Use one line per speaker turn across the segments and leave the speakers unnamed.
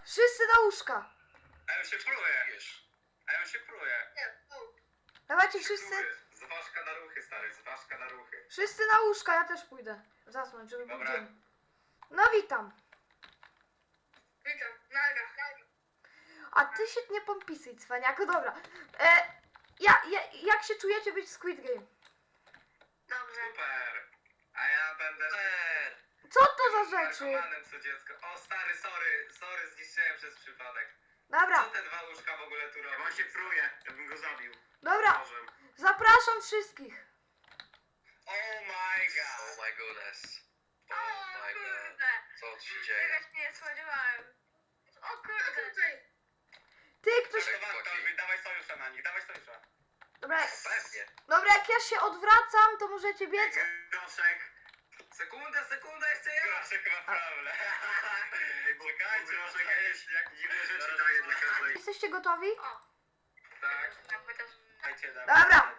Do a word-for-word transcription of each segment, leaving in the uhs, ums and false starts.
Wszyscy na łóżka.
A ja się pruję. A ja się pruję.
Dawajcie wszyscy.
Zważka na ruchy, stary, zważka na ruchy.
Wszyscy na łóżka, ja też pójdę. Zasnąć, żeby był
Dobra.
dzień. No witam.
Witam, naga.
A ty się nie pompisuj, cwaniaku. Dobra. E, ja, ja, jak się czujecie być w Squid Game?
Dobrze.
Super. A ja będę...
Super.
Co to za rzeczy?
narkomanem co dziecko. O stary, sorry, sorry, zniszczyłem przez przypadek.
Dobra,
Co te dwa łóżka w ogóle tu robią? On się pruje, ja bym go zabił.
dobra.
Nożem.
Zapraszam wszystkich.
Oh my god.
Oh my goodness.
O
Oh my god.
kurde.
Co tu się dzieje?
Czegoś nie spodziewałem. O kurde.
Ty, ktoś...
To Bartowi, dawaj sojusza na nich, dawaj sojusza.
Dobra,
Pewnie.
dobra, jak ja się odwracam, to możecie biec.
Groszek. Sekunda, sekunda, jeszcze jeden. Groszek ma problem. Czekajcie, Groszek jakieś jak dziwne rzeczy daje dla każdej.
Jesteście gotowi?
O.
Tak.
Tak, chociaż...
Dajcie,
Dobra.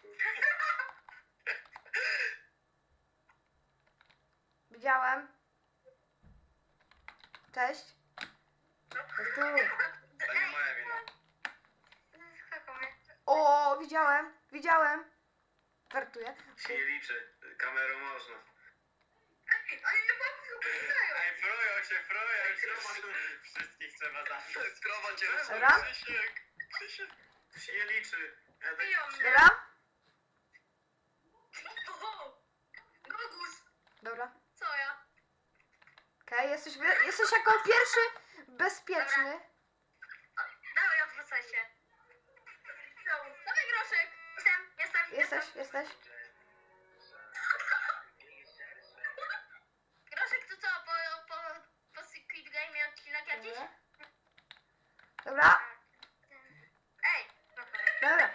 Widziałem. Cześć. Chodź tu.
To nie moja wina.
Skakał mnie.
O, widziałem, widziałem. Żartuję.
Się nie liczy. Kamerą można.
Ej, oni nie pomagają.
Ej, frują się, frują się. Wszystkich trzeba zabić.
Krowa cię
Dobra.
Krzysiek. Krzysiek.
To się nie liczy. Ja tak-
Biją mnie.
Dobra?
Oho. Gogus.
Dobra.
Co ja?
Okej, jesteś, wy- jesteś jako pierwszy bezpieczny.
Dawaj, odwrócaj się. Dawaj groszek. Jestem, jestem,
Jesteś, jesteś.
Groszek, to co? Po, po, po Squid Game odcinek jakiś?
Dobra. Dobra,
Ej. No to...
dobra.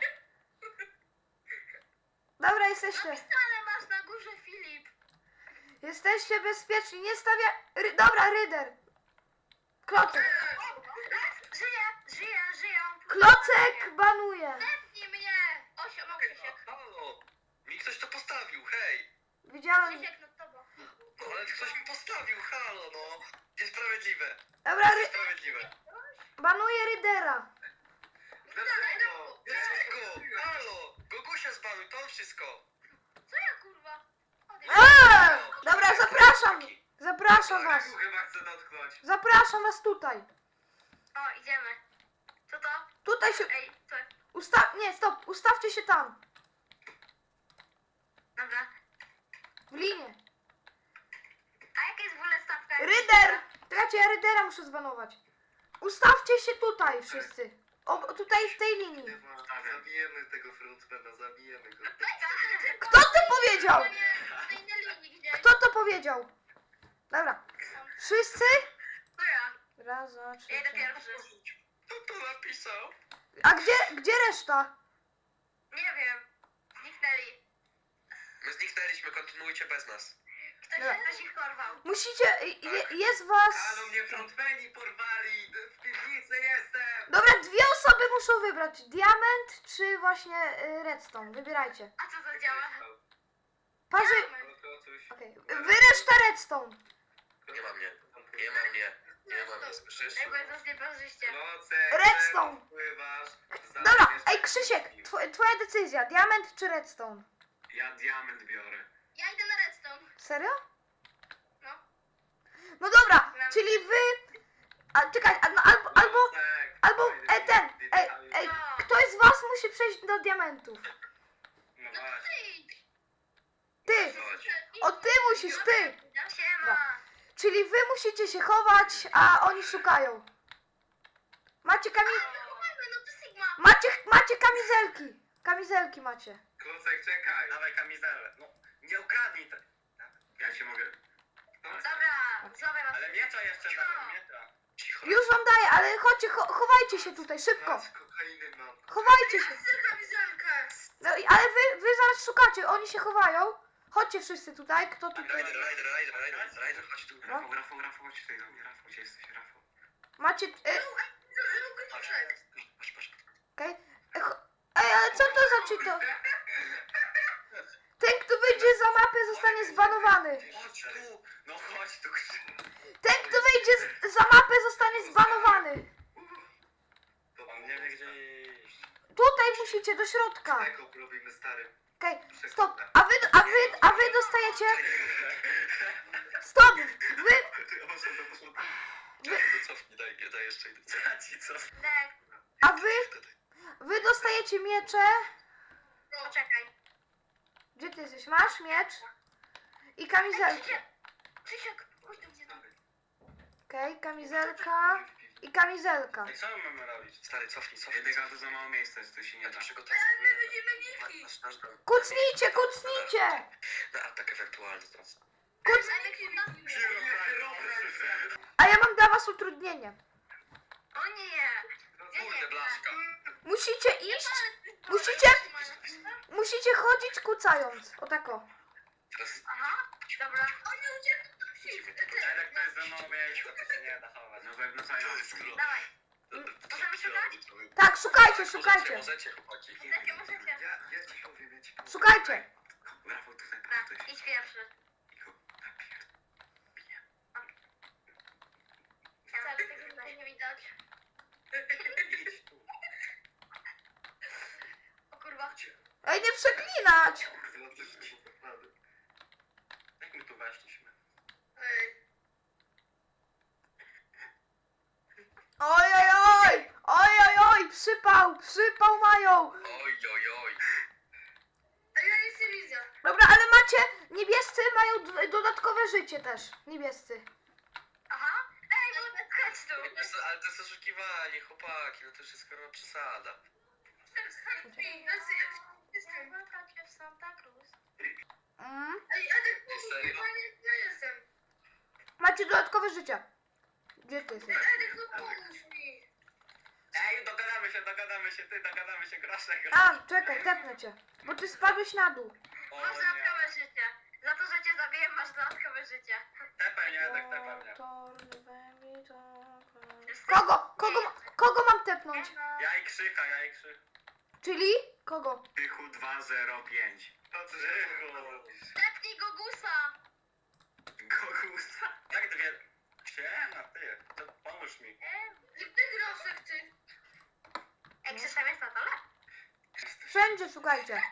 Dobra, jesteście.
Napisane masz na górze Filip.
Jesteście bezpieczni, nie stawia... Ry- Dobra, Ryder. Klocek.
Żyję, żyję, żyję.
Klocek banuje.
Zepnij mnie. Osiem, o Krzysiek.
Halo. Mi ktoś to postawił, hej.
Widziałem.
Krzysiek nad tobą.
No ale ktoś mi postawił, halo no. Niesprawiedliwe.
Dobra, ry-
Niesprawiedliwe.
banuje Rydera.
Dlaczego?
Dlaczego? Halo. Gogusia zbanuj, to wszystko.
Co ja kurwa? Odejdź.
Eee! Dobra, zapraszam. Zapraszam was.
Regu chyba chcę dotknąć.
Zapraszam was tutaj.
O, idziemy. Co to?
Tutaj się...
Ej, co?
Usta... Nie, stop. Ustawcie się tam.
Dobra.
W linie.
A jaka jest w ogóle stawka?
Ryder! Czekajcie, ja Rydera muszę zbanować. Ustawcie się tutaj wszyscy. O, o, tutaj w tej linii.
Zabijemy tego frontmana, zabijemy go.
Kto to powiedział?
Na innej linii gdzieś.
Kto to powiedział? Dobra. Wszyscy?
To ja.
Raz, dwa, trzy,
Ja idę
cztery.
pierwszy.
Kto to napisał?
A gdzie, gdzie reszta?
Nie wiem. Zniknęli.
My zniknęliśmy, kontynuujcie bez nas.
Ktoś,
Dobra.
ktoś ich porwał.
Musicie... Je, jest was...
Halo, mnie frontmeni porwali. W piwnicy jestem.
Dobra, dwie osoby muszą wybrać. Diament czy właśnie y, redstone. Wybierajcie.
A co to działa?
Parzy...
Diament.
Okej. Wy reszta redstone.
Nie ma mnie. Nie ma mnie. Nie ma mnie, słyszysz?
Ej, bo jest nas nieparzyście.
Redstone.
Pływasz.
Dobra, ej Krzysiek, tw twoja decyzja. Diament czy redstone?
Ja diament biorę.
Ja idę na redstone.
Serio?
No.
No dobra, czyli wy... A czekaj, a, no, albo... albo...
Tak,
Albo,
fajny
e, ten,
diament.
ej, ej, ktoś z was musi przejść do diamentów.
No
No to
właśnie.
ty idź.
Ty,
Chodź.
o ty musisz, ty.
Siema.
Czyli wy musicie się chować, a oni szukają. Macie kami...
No to Sigma.
Macie, macie kamizelki. Kamizelki macie.
Klucek, czekaj. Dawaj kamizelę. No, nie ukradnij te. Ja się mogę... No,
Dobra, złapaj was.
ale miecza jeszcze dawaj, miecza.
Cicho.
Już wam daję, ale chodźcie, cho chowajcie się tutaj, szybko.
Z kokainy mam.
Chowajcie się.
Chcę kamizelkę.
No, i- ale wy, wy zaraz szukacie, oni się chowają. Chodźcie wszyscy tutaj, kto tutaj...
Rider, rider, rider, rider, rider, chodź tu.
Rafał, Rafał, Rafał, chodź tutaj do mnie. Rafał, gdzie jesteś, Rafał?
Macie... E,
Patrz, patrz, patrz.
okej. E, cho- Ej, ale co to za czyto? Ten, kto wyjdzie za mapę, zostanie zbanowany.
Chodź tu. No chodź tu, Krzysiek.
Ten, kto wyjdzie z, za mapę, zostanie zbanowany. wchodzicie do środka.
Eko robimy stary.
Okej, stop. A wy, a wy, a wy dostajecie... Stop! Wy...
No cofnij, daj, daj jeszcze jeden.
Ci co?
Nek,
A wy... Wy dostajecie miecze.
poczekaj.
Gdzie ty jesteś? Masz miecz? I kamizelkę.
Krzysiek, chodź do mnie.
Okej, kamizelka. I kamizelka.
I co my mamy robić?
Stary, cofnij, cofnij.
Jednego to za mało miejsca jest, to się nie
Ja
da.
to przygotowuję.
będziemy
Nasz, nasz dom.
Kucnijcie, kucnijcie!
Na atak ewentualny teraz.
Kuc...
Hero
A ja mam dla was utrudnienie.
O nie.
Kurde, blaszka.
Musicie iść, musicie, musicie chodzić kucając. O tako.
Teraz
Aha, dobra. O nie, uciekł.
Edek to jest za mało miejsca, to się nie da chować. No pewno co
to jest król.
Dawaj. Możemy szukać?
Tak, szukajcie,
Możecie,
szukajcie.
możecie, chłopaki.
Możecie, możecie.
Ja, ja ci powiem, ja ci powiem.
Szukajcie.
Brawo, tutaj
Dobra,
ktoś.
idź pierwszy. Wcale tego tutaj nie widać.
Idź tu.
O kurwa.
Ej, nie przeklinać.
Kurde, no coś ci naprawdę. Jak my tu weszliśmy?
Ej.
Oj, oj, oj. Oj, oj, oj. Przypał, przypał mają.
Oj, oj, oj.
A ja nic nie widzę.
Dobra, ale macie, niebiescy mają d- dodatkowe życie też. Niebiescy.
Aha. Ej, no chodź tu.
Wiesz co, ale to jest oszukiwanie, chłopaki, no to już jest chyba przesada.
w Santa Cruz.
Mm.
Ej, Edek,
Serio?
ja jestem.
Macie dodatkowe życie. Gdzie ty jesteś?
Edek, no pomóż mi.
Ej, dogadamy się, dogadamy się, ty, dogadamy się, groszek.
A, czekaj, tepnę cię. Bo ty spadłeś na dół.
O
Masz
nie.
dodatkowe życie. Za to, że cię zabiję, masz dodatkowe życie.
Tepaj mnie, Edek, tepaj mnie.
Kogo? Kogo, ma- kogo mam tepnąć?
Ja i Krzycha, ja i Krzych.
Czyli? Kogo?
Krzychu dwa zero pięć. To co
Tepnij go gusa.
Gogusa. Jak dwie... Siema, ty, to pomóż mi.
Ty groszek, ty. Ej, Krzysztof jest na dole?
Wszędzie szukajcie.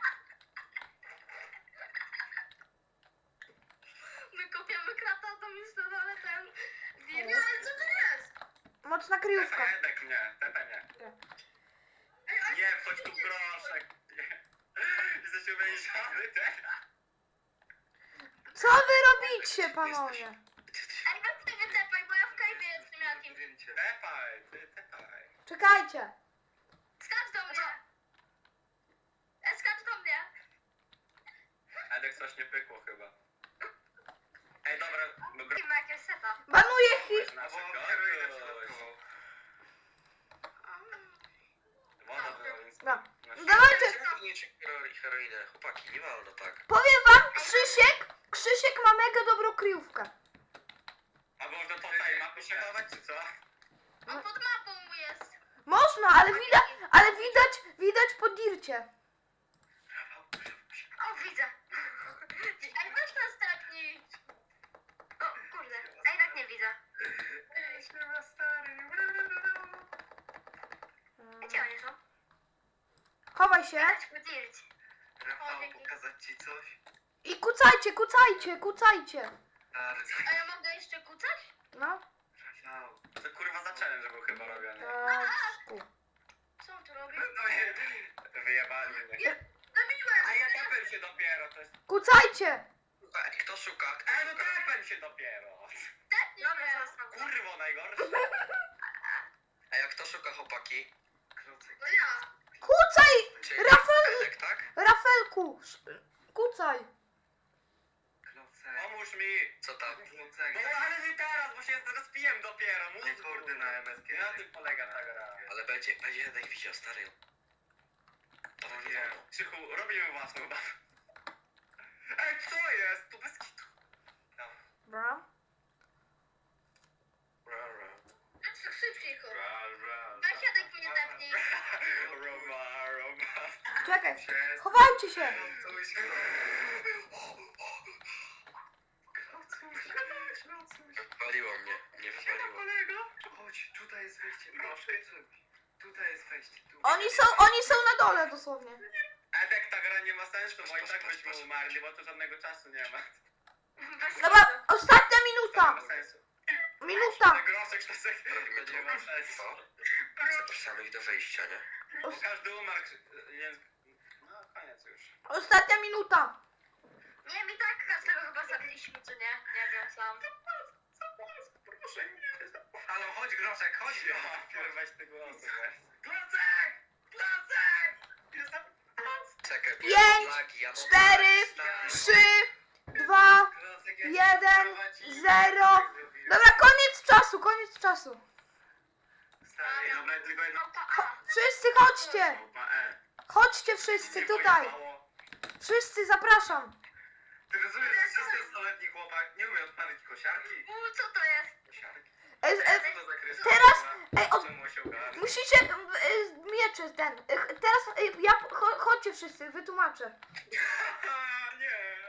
My kopiemy krata, to mi jest na dole ten... Nie, ale co to jest?
Mocna kryjówka.
Tepaj Edek mnie, tepaj mnie. Nie, wchodź tu groszek. Jesteś uwięziony teraz.
Co wy robicie, panowie?
Ej, weź ty wytepaj, bo ja w kajwie jestem jakimś.
Tepaj, ty, tepaj.
Czekajcie.
Skacz do mnie. E, skacz do mnie.
Edek coś nie pykło chyba. Ej, dobra, dobra.
I ma jakieś seta.
Banuję ich.
Nasze Woda była, więc...
Dobra.
na
Dawajcie.
Ciągnięcie heroinę, chłopaki, nie wolno tak.
Powiem wam, Krzysiek, Krzysiek ma mega dobrą kryjówkę.
A można po tej mapy się chować, czy co?
On pod mapą mu jest.
Można, ale widać, ale widać, widać po dircie.
O, widzę. Ej, weź nas tepnij. O, kurde. Ej, tak nie widzę. Gdzie oni są?
Chowaj się
Chodźmy dirć.
Rafał, pokazać ci coś?
i kucajcie, kucajcie, kucajcie.
Stary,
A ja mogę jeszcze kucać?
No.
Rafał. To kurwa za challenge był chyba robiony.
Tak.
Co on tu robi?
No nie, wyjebali mnie.
Zabiłem!
A ja tepem się dopiero, to jest...
Kucajcie.
Ej, kto szuka?
Ej, no tepem się dopiero.
Tepnij mnie.
Kurwo, najgorsze.
A jak kto szuka, chłopaki?
No ja.
Kucaj,
Czyli
Rafał-
Edek, tak?
Rafelku. sz- Kucaj.
Pomóż mi.
Co tam?
No ale nie teraz, bo się rozpijem dopiero. Mózgu. na M S G. Na tym polega ta gra.
Ale będzie, będzie Edek widział, stary. To
No
nie
nie.
wolno.
Krzychu, robimy własną babę. Ej, co jest? Tu bez kitu.
Dobra.
Ra, ra.
Szybciej chodź.
Ra, ra,
Weź Edek mnie tepnij.
Roba, roba.
Czekaj.
Przez...
Chowajcie się.
Coś...
Wywaliło mnie, nie wywaliło.
kolego. Chodź, tutaj jest wyjście. Proszę. Tutaj jest wejście. Tu.
Oni są, oni są na dole dosłownie.
Edek, ta gra nie ma sensu, bo i tak byśmy umarli, bo tu żadnego czasu nie ma.
Bez
Dobra,
kitu.
ostatnia
To nie
minuta.
ma sensu.
Minuta.
Ten groszek to se-
Robimy
to nie ma sensu.
co? Zapraszamy ich do wyjścia, nie?
Bo każdy umarł, więc... No, koniec już.
Ostatnia minuta.
Nie, mi tak każdego chyba zabiliśmy, czy nie? Nie wiem sam.
Proszę mnie. Halo, chodź groszek, chodź. Ja, weź tego głosu, weź. Klocek! Klocek! Jestem...
Czekaj, bo
Pięć,
ja mam lagi, ja mam
cztery,
lagi, stary.
Trzy, dwa,
Klocek, ja cię
jeden,
prowadzi.
zero.
Tak zrobiłem.
Dobra, koniec czasu, koniec czasu.
Stary, dobra, tylko jedno...
Małpa A.
Wszyscy chodźcie.
Małpa E.
Chodźcie wszyscy
Nie
tutaj.
pojebało.
Wszyscy zapraszam.
Ty rozumiesz, że szesnastoletni chłopak nie umie odpalić kosiarki?
U, co to jest?
Kosiarki.
E, e,
Co to za kryształ?
teraz- ej, od-
Czemu się ogarnia?
musicie e, miecze ten. E, teraz e, ja cho, chodźcie wszyscy, wytłumaczę.
Haha, nie.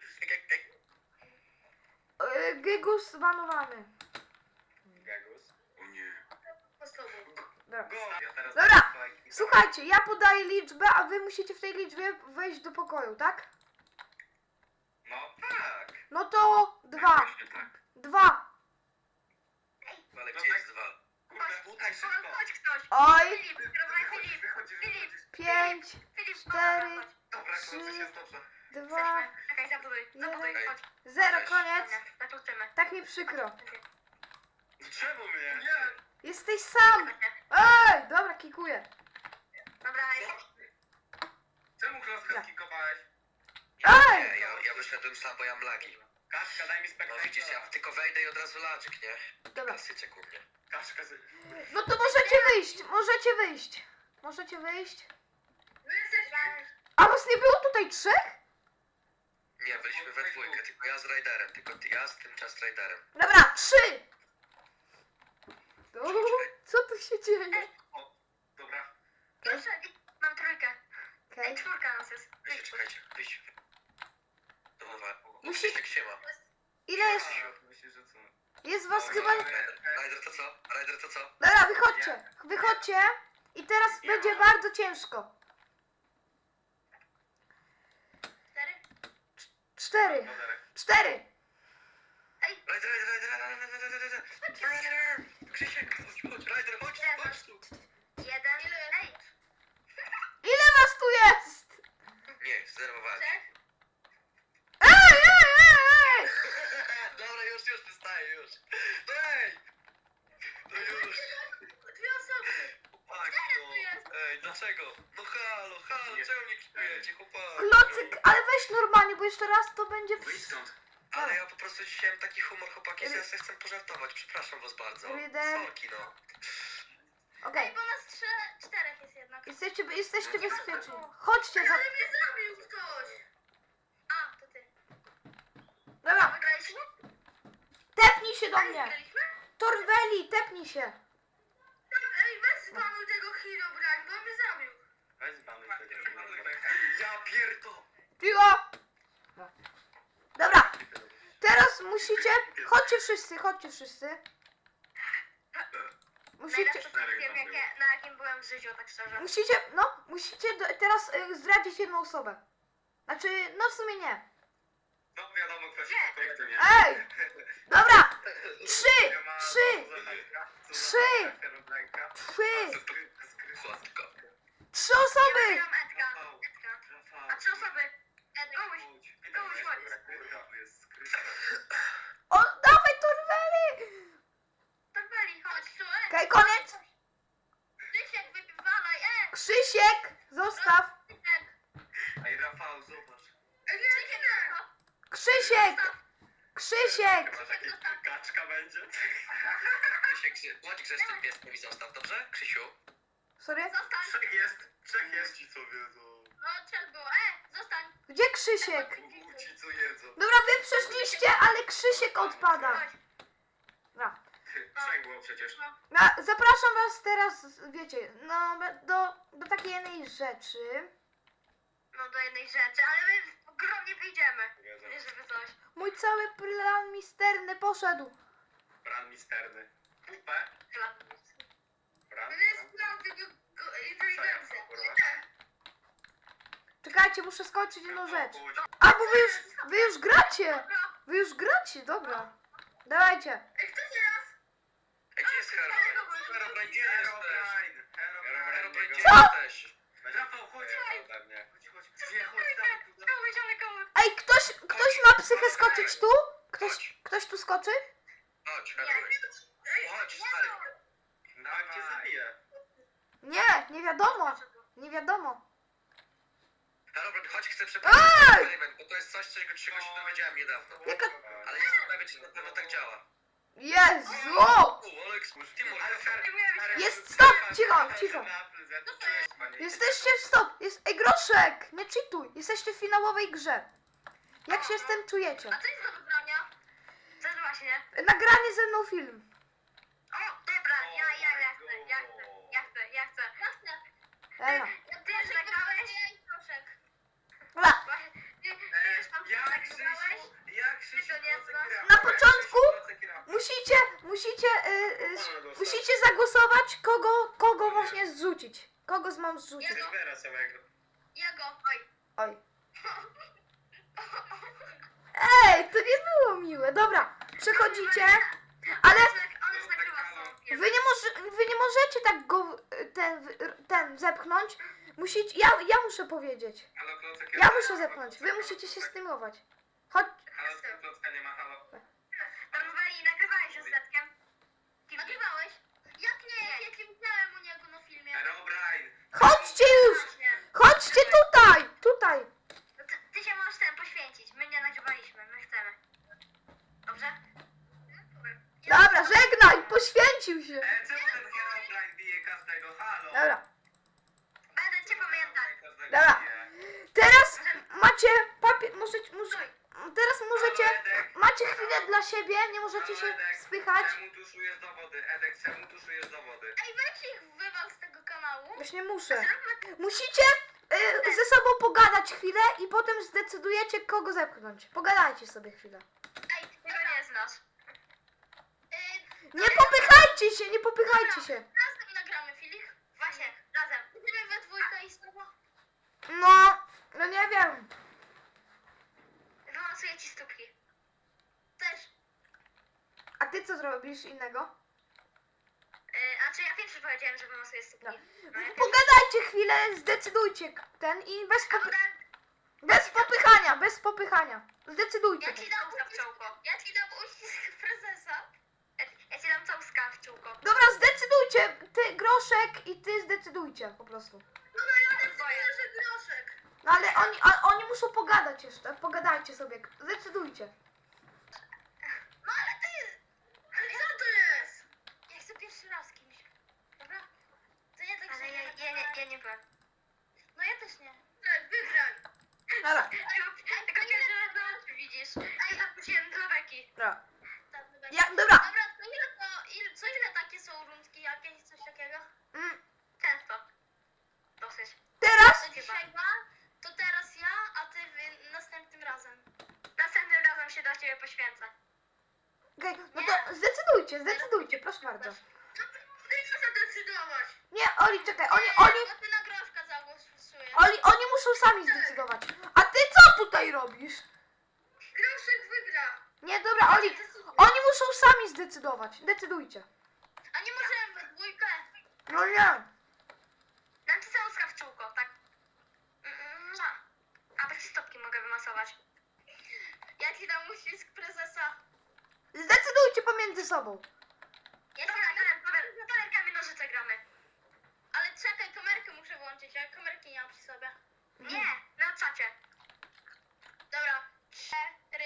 E, Gygus zbanowany.
Gagus? O nie.
Po prostu.
Dobra.
Go! Ja teraz
Dobra, słuchajcie, ja podaję liczbę, a wy musicie w tej liczbie wejść do pokoju, tak?
No tak.
No to dwa.
Właśnie tak.
Dwa.
Ale gdzie jest dwa?
Kurde, tutaj
O,
szybko.
chodź ktoś.
Oj.
Filip, kierowaj
Wychodzisz,
Filip.
wychodzisz,
Filip.
wychodzisz.
Pięć.
Filip,
Cztery.
chodź.
Dobra,
Trzy.
kończy się dobrze.
Dwa.
Jesteśmy. Czekaj, zabuduj. Zabuduj,
jeden.
chodź.
Zero, koniec.
Dobra, zakluczymy.
Tak mi przykro.
Czemu mnie? Nie.
Jesteś sam. Ej, dobra, kikuję.
Dobra,
Czemu klocka skikowałeś?
Ej!
Nie, ja, ja wyszedłem sam, bo ja mam lagi.
Kaszka, daj mi
No
spektakl.
widzisz, ja tylko wejdę i od razu ladzik, nie?
Dobra.
Klasyczek u mnie.
Kaszka z...
No to możecie wyjść, możecie wyjść. Możecie wyjść.
my jesteśmy.
A was nie było tutaj trzech?
Nie, byliśmy we dwójkę, tylko ja z Raiderem, tylko ty, ja z tym czas Raiderem.
Dobra, trzy. O, co tu się dzieje?
Dobra.
Proszę, mam trójkę. Ej,
Okej.
czwórka nas jest.
Wyjście, czekajcie, wyjść. Dobra,
Musi-
Musi... się ma.
Ile jest?
A, myślisz, że co?
Jest was
Dobra,
chyba...
Raider, Raider to co? Raider to co?
Dobra, wychodźcie. Wychodźcie. I teraz będzie bardzo ciężko.
Cztery?
Cztery.
Moderek.
Cztery.
Raider, Raider, Raider, Raider, Raider, Raider, Raider, Krzysiek, chodź, chodź, Raider, chodź, chodź tu.
Jeden. Ej,
Ile was tu jest?
Nie, zerwowałem.
trzech.
Ej, ej, ej, ej.
Dobra, już, już, wystaję, już. No ej! No już.
Dwie osoby.
Chłopak, no. Ej, dlaczego? No halo, halo,
Nie.
czemu nie kipujecie, chłopak?
Klocyk, ale weź normalnie, bo jeszcze raz to będzie...
Wyjdź stąd.
Ale ja po prostu dzisiaj mam taki humor, chłopaki, że ja sobie chcę pożartować, przepraszam was bardzo.
Ryder.
Sorki, no.
Okej.
Ej, bo nas trzy, czterech jest jednak.
Jesteście, jesteście bezpieczni. Chodźcie za...
Ale mnie zabił ktoś. A, to ty.
Dobra,
Wygraliśmy?
tepnij się do
Ej,
mnie.
wygraliśmy?
Torweli, tepnij się.
Ej, weź zbanuj tego Hero Brand, bo mnie zabił.
Weź banuj tego. Ja pierdo.
Piło. Dobra, teraz musicie... Chodźcie wszyscy, chodźcie wszyscy. Musicie...
Najlepsze to wiem, jakie, na jakim byłem w życiu, tak szczerze.
Musicie, no, musicie do, teraz y, zdradzić jedną osobę. Znaczy, no w sumie nie.
No wiadomo, kto się
Nie.
projektu nie.
Ej! Dobra! Trzy! Trzy! Trzy! Trzy!
Chłopko.
Trzy osoby!
Ja mam Edka. Edka. A trzy osoby. Ed, komuś. Komuś chodź.
O, dawaj Torweli!
Torbeli, chodź tu, Ed.
Okej, koniec.
Krzysiek, wypiwalaj, e!
Krzysiek, zostaw.
Krzysiek.
Ej, Rafał, zobacz.
Ej, Krzysiek, no.
Krzysiek! Krzysiek!
Chyba taki kaczka będzie.
Krzysiek, gdzie- bądź grzecznym pieskiem i zostaw, dobrze? Krzysiu?
Sorry?
Zostań.
Trzech jest, trzech jest ci co wiedzą.
No, trzech było. E, zostań.
Gdzie Krzysiek?
Ci co jedzą.
Dobra, wy przeszliście, ale Krzysiek odpada.
Chodź.
Dobra.
Trzech było przecież.
No, zapraszam was teraz, wiecie, no, do, do takiej jednej rzeczy.
No, do jednej rzeczy, ale my w grę nie wyjdziemy.
Wiedzą.
Nie, żeby coś.
Mój cały plan misterny poszedł.
Bran misterny. Pupę.
Plan.
Bran.
To jest plan tego
Czekajcie, muszę skończyć jedną rzecz. A, bo wy już, wy już gracie! Wy już gracie, dobra. Dawajcie.
Ej, kto teraz?
Ej, gdzie jest Herobrine? Herobrine, gdzie jesteś?
Herobrine,
Herobrine,
Herobrine,
gdzie
Co?
jesteś?
Rafał, chodź.
Ode mnie.
Chodź, chodź. Nie, chodź, dawaj tu, dawaj.
Ej, ktoś, ktoś ma psychę skoczyć tu? Ktoś, ktoś tu skoczy?
Chodź, Herobrine. Chodź, stary.
Dawaj, cię zabiję.
Nie, nie wiadomo. Nie wiadomo.
Herobrine, chodź, chcę przeprowadzić eksperyment, bo to jest coś, czego czego się dowiedziałem niedawno.
Jaka...
Ale jestem pewien, czy na pewno tak działa.
Jezu!
O, Olek, Timur,
Ale
Herobrine.
Jest, stop, cicho, cicho. Jesteście w stop. Jest... Ej, Groszek, nie cheatuj. Jesteście w finałowej grze. Jak się z tym czujecie?
A co jest do wybrania? Co jest właśnie?
Nagranie ze mną film.
O, dobra, ja, ja, ja chcę, ja chcę, ja chcę, ja chcę. Ja chcę.
Ela.
Ty już nagrałeś? Proszek.
Dobra.
Ty, ty już tam
Jak
nagrałeś?
Krzysiu, jak Krzysiu
Ty to nie
Klocek
znasz?
gra?
Na początku
Krzysiu Klocek gra.
musicie, musicie, y, y, musicie zagłosować, kogo, kogo właśnie zrzucić. Kogo mam zrzucić?
Ja go.
Zbiera samego.
Ja go. Oj.
Oj. Ej, to nie było miłe. Dobra, przechodzicie, ale
On już nagrywa swoją
wy
pierwszą.
nie, może, wy nie możecie tak go y, ten, y, ten zepchnąć. Musicie, ja, ja muszę powiedzieć.
Halo, Klocek
Ja muszę zepchnąć. Wy musicie się stymulować. Chodź.
Halo, Klocka nie ma, halo.
Normowali nagrywałeś ze Zetkiem? Nagrywałeś? Jak nie? Jak nie widziałem u niego na filmie.
Herobrine.
Chodźcie już.
Właśnie.
Chodźcie tutaj. Tutaj.
No ty, ty się możesz ten poświęcić. My nie nagrywaliśmy, my chcemy. Dobrze?
Dobra, żegnaj. Poświęcił się.
E, czemu ten Herobrine bije każdego? Halo.
Dobra.
Będę cię pamiętać.
Każdego
Dobra.
bije.
Teraz macie papier, możecie, może, teraz możecie,
Halo, Edek.
macie chwilę dla siebie, nie możecie
Halo,
się
Edek.
spychać.
Czemu tuszujesz dowody? Edek, czemu tuszujesz dowody?
Ej, weź ich wywal z tego kanału.
Właśnie muszę.
Zróbmy...
Musicie y, ze sobą pogadać chwilę i potem zdecydujecie, kogo zepchnąć. Pogadajcie sobie chwilę.
Ej, ty go nie znasz. Yy,
Nie popychajcie się, nie popychajcie się.
razem nagramy, Filip. Właśnie, razem. Będziemy we dwójkę i z tobą.
No, no nie wiem.
Wylosuję ci stópki. Też.
A ty co zrobisz innego?
Yy, a czy ja pierwszy powiedziałem, że wylosuję stópki?
No.
No, ja
Pogadajcie chwilę, zdecydujcie ten i bez, popy bez popychania, bez popychania. Zdecydujcie.
Ja ci dam uścisk w czółko. Ja ci dam uścisk prezesa. Ja, ja ci dam całuska w czółko.
Dobra, zdecydujcie. Ty, Groszek i ty zdecydujcie po prostu.
No no ja decyduję, że groszek.
No ale oni, a, oni muszą pogadać jeszcze. Pogadajcie sobie. Zdecydujcie.
No ale ty... Ale co to jest? Ja chcę pierwszy raz z kimś. Dobra? To nie tak, ale że ja, ja, ja, ja nie byłem. No ja też nie. Tak, wygraj.
Dobra.
Tylko pierwszy raz na oczy widzisz. Ja zaprosiłem do beki.
Dobra.
Tak, do beki.
Ja, dobra.
Dobra, to ile to... Ile, co ile takie są rundki jakieś, coś takiego?
Mm,
Często. Dosyć.
teraz?
To dzisiaj dwa, to teraz ja, a ty wy, następnym razem. Następnym razem się dla ciebie poświęcę.
Okej, no to zdecydujcie, zdecydujcie, proszę bardzo.
No ty nie zadecydować.
Nie, Oli, czekaj, oni,
Nie,
oni,
no ty na groszka zagłosujesz.
oni, oni muszą sami zdecydować. A ty co tutaj robisz?
Groszek wygra.
Nie, dobra, Oli, oni muszą sami zdecydować. Decydujcie.
A nie możemy we dwójkę.
No nie.
Dam ci całuska w czółko, tak? Mm, no. A bez stopki mogę wymasować. Ja ci dam uścisk prezesa.
Zdecydujcie pomiędzy sobą.
Ja ci dam kamer, kamerkami nożyce gramy. Ale czekaj, kamerkę muszę włączyć, ja kamerki nie mam przy sobie. Nie, na czacie. Dobra, cztery.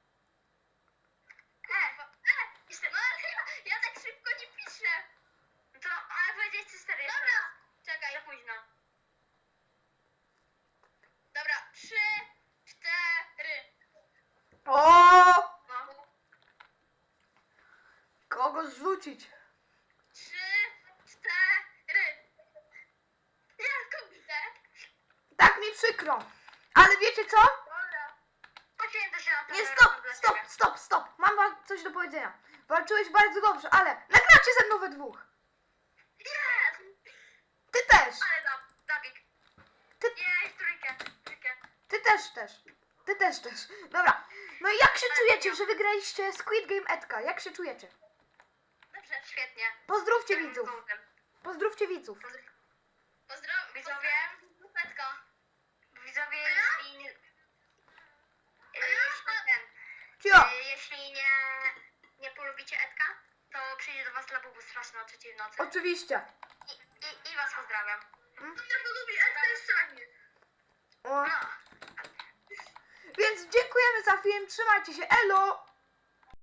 E, e, jeszcze, no ale ja, ja tak szybko nie piszę. No to, ale powiedzieć ci cztery jeszcze. Dobra, czekaj. Za późno. Dobra, trzy, cztery.
O!
No.
Kogo zrzucić?
Trzy, cztery. Ja kurde.
Tak mi przykro. Ale wiecie co?
Dobra. Poświęcę się na to.
Nie,
że
stop,
robię dla
stop,
ciebie.
stop, stop. Mam wam coś do powiedzenia. Walczyłeś bardzo dobrze, ale nagracie ze mną we dwóch.
Yes!
Ty też.
Ale da, Dawik.
Ty-
Nie, w trójkę.
też, też. Ty też, też. Dobra. No i jak się czujecie, że wygraliście Squid Game Edka? Jak się czujecie?
Dobrze, świetnie.
Pozdrówcie widzów. Pozdrówcie widzów.
Pozdrawiam. Widzowie. Petka. Widzowie, jeśli... nie- e, Jeśli ten...
Cio.
e, Jeśli nie... Nie polubicie Edka, to przyjdzie do was Labubu straszny o trzeciej w nocy.
Oczywiście.
I, i, I was pozdrawiam.
Hmm?
Kto nie polubi Edka jest szanie.
O.
No.
Więc dziękujemy za film. Trzymajcie się. Elo.